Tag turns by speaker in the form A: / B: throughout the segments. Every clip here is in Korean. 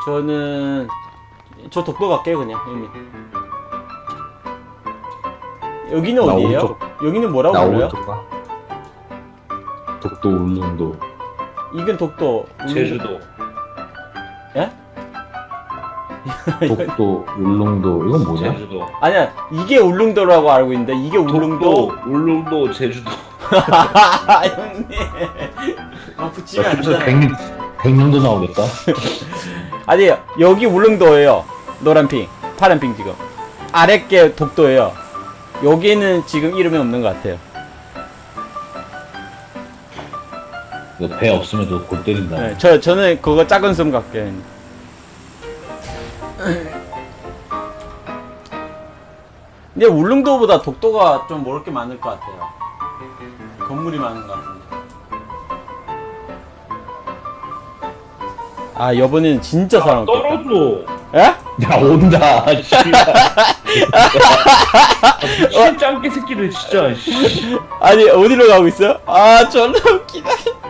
A: 저는 저 독도 갈게요 그냥 형님. 여기는
B: 나
A: 어디예요?
B: 오른쪽.
A: 여기는 뭐라고
B: 나
A: 불러요?
B: 오른쪽 가. 독도 울릉도.
A: 이건 독도.
C: 제주도.
A: 예?
B: 독도 울릉도 이건 뭐냐?
C: 제주도.
A: 아니야 이게 울릉도라고 알고 있는데 이게 울릉도.
C: 독도, 울릉도, 제주도.
A: 형님. 붙이면 안
B: 그래서
A: 되잖아요.
B: 백령도 나오겠다.
A: 아니 여기 울릉도예요. 노란 핑, 파란 핑 지금. 아래 게 독도예요. 여기는 지금 이름이 없는 것 같아요.
B: 이거 배 없으면 너 골 때린다.
A: 네, 저는 그거 작은 섬 갈게요. 근데 울릉도보다 독도가 좀 먹을 게 많을 것 같아요. 건물이 많은 것 같은데. 아 이번에는 진짜 사람 없겠다.
C: 떨어져.
A: 에?
B: 야 온다.
C: 미친 짱깨 새끼들 진짜. 씨.
A: 아니 어디로 가고 있어요? 아 졸라 웃기다.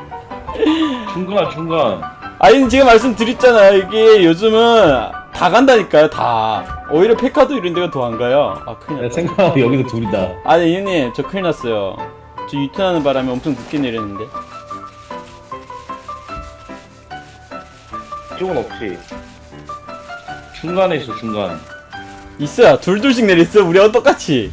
C: 중간.
A: 아니 제가 말씀드렸잖아요. 이게 요즘은 다 간다니까요. 다. 오히려 페카도 이런 데가 더 안 가요. 아 큰일
B: 야,
A: 났다.
B: 생각하면 여기도 둘이다.
A: 아니 형님 저 큰일 났어요. 저 유턴하는 바람에 엄청 늦게 내렸는데.
C: 이쪽은 없지. 중간에 있어 중간.
A: 있어요. 둘둘씩 내렸어. 우리하고 똑같이.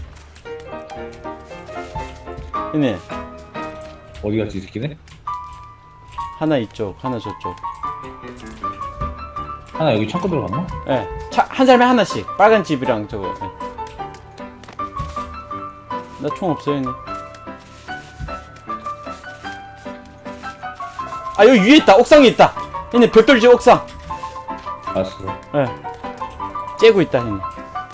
A: 형님
B: 어디 갔지 이 새끼네?
A: 하나 이쪽 하나 저쪽.
B: 하나 여기 창고 들어갔나?
A: 예. 한 사람에 하나씩. 빨간 집이랑 저거. 예. 나 총 없어요 형님. 아 여기 위에 있다. 옥상에 있다. 형님 벽돌집 옥상.
B: 알았어.
A: 예. 째고 있다 형님.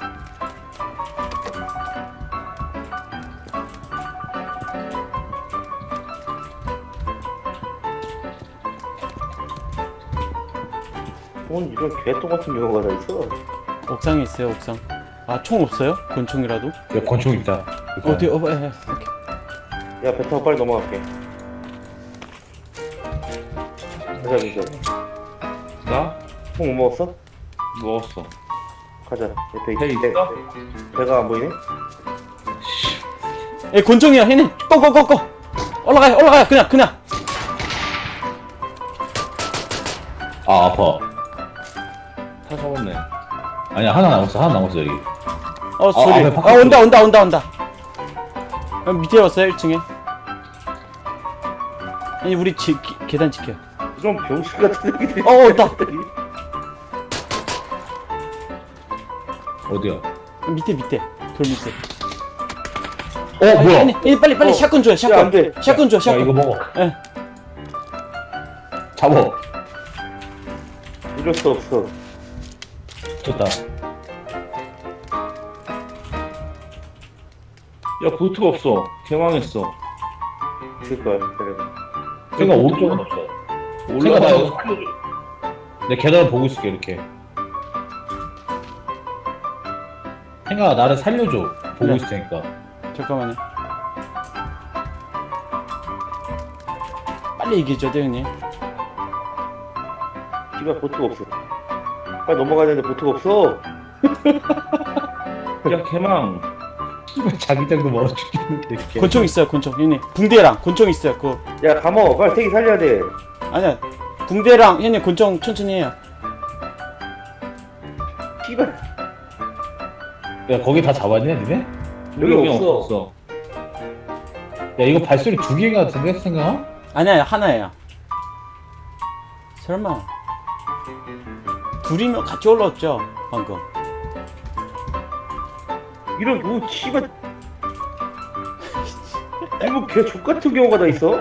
D: 뭔 이런 개똥 같은 경우가 다 있어.
A: 옥상에 있어요 옥상. 아 총 없어요? 권총이라도?
B: 야 권총 있다.
A: 어디 예, 오케이.
D: 야, 배 타고 빨리 넘어갈게. 가자, 민서.
C: 나
D: 콩 못 먹었어?
C: 먹었어.
D: 가자. 옆에
C: 배 있어?
D: 배가 안 보이네?
A: 예 권총이야 형님. 고고고고. 올라가요 그냥.
B: 아 아파.
C: 다 잡았네.
B: 아니야 하나 남았어 여기.
A: 소리.
B: 앞에
A: 아
B: 바깥으로.
A: 온다. 밑에 왔어요 1층에. 아니 우리 계단 지켜.
D: 이런 병신 같은 새끼들이.
A: 온다.
B: 어디야?
A: 밑에 돌 밑에.
B: 뭐야?
A: 아니, 빨리 샷건 줘요 샷건.
D: 야, 안 돼.
A: 샷건 줘
B: 야
A: 샷건.
B: 이거 먹어.
A: 예.
B: 잡어.
D: 이럴 수 없어.
B: 좋다.
C: 야 보트가 없어. 개망했어.
D: 그니까, 그래.
B: 생각 오른쪽은 없어. 생각 나 여기서 살려줘. 내 계단을 보고 있을게 이렇게. 생각아 나를 살려줘. 보고
A: 네.
B: 있을 테니까.
A: 잠깐만요. 빨리 얘기해줘 형님.
D: 집에 보트가 없어. 빨리 넘어가야 되는데 보트가 없어.
C: 야 개망.
B: 자기장도 멀어 죽겠는데.
A: 권총 있어요 권총 형님. 붕대랑 권총 있어요 그거.
D: 야, 감어. 빨리 태기 살려야 돼.
A: 아니야 붕대랑 형님 권총 천천히 해요.
D: 씨발.
B: 야 거기 다 잡았냐 니네?
D: 여기 없어.
B: 야 이거 발소리 두 개가 같은데 생각아?
A: 아니야 하나예요. 설마 둘이면 같이 올라왔죠 방금.
D: 이런, 씨발. 이거 개 족같은 경우가 다 있어?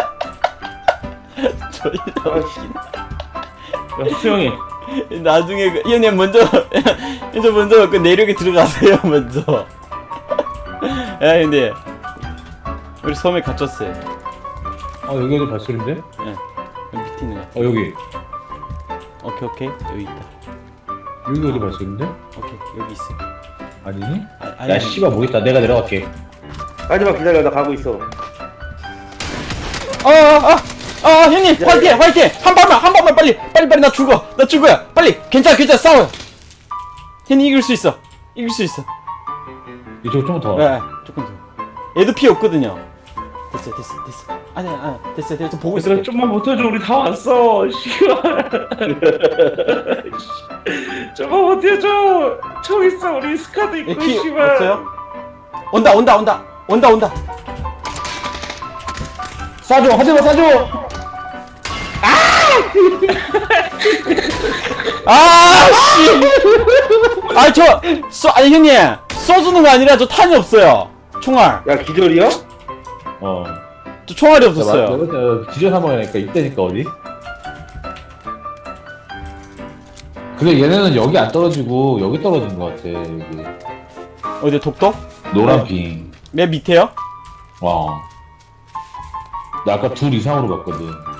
D: 아, 씨.
C: 야 수영이.
A: 나중에 형님 먼저 그 내륙에 들어가세요 먼저. 야 근데 우리 섬에 갇혔어요.
B: 여기 어디 발소리인데?
A: 예 밑에 있는 거.
B: 여기
A: 오케이 여기 있다.
B: 여기 어디 발소리인데?
A: 오케이 여기 있어.
B: 아니니?
A: 아니
B: 야 씨발 모르겠다 내가 내려갈게.
D: 마지막 기다려. 나 가고 있어.
A: 형님 화이팅 화이팅 한 번만 빨리 나 죽어요 빨리 괜찮아 싸워요. 형님 이길 수 있어.
B: 이쪽 좀 더.
A: 네, 조금 더. 얘도 피 없거든요. 됐어. 아니야, 됐어. 보고 있어.
C: 얘들아 좀만 버텨줘. 우리 다 왔어. 씨발. 좀만 버텨줘. 총 있어. 우리 스카도 있고
A: 피
C: 씨발.
A: 없어요? 온다.
B: 쏴줘, 하지마 쏴줘.
A: 씨. 아니 형님 쏘주는 거 아니라 저 탄이 없어요. 총알.
D: 야 기절이야?
B: 어.
A: 저 총알이 없었어요.
B: 기절 상황이니까 이때니까 어디? 근데 얘네는 여기 안 떨어지고 여기 떨어진 것 같아. 여기
A: 어디 독도?
B: 노란 핑.
A: 맨 밑에요?
B: 와. 나 아까 둘 이상으로 봤거든.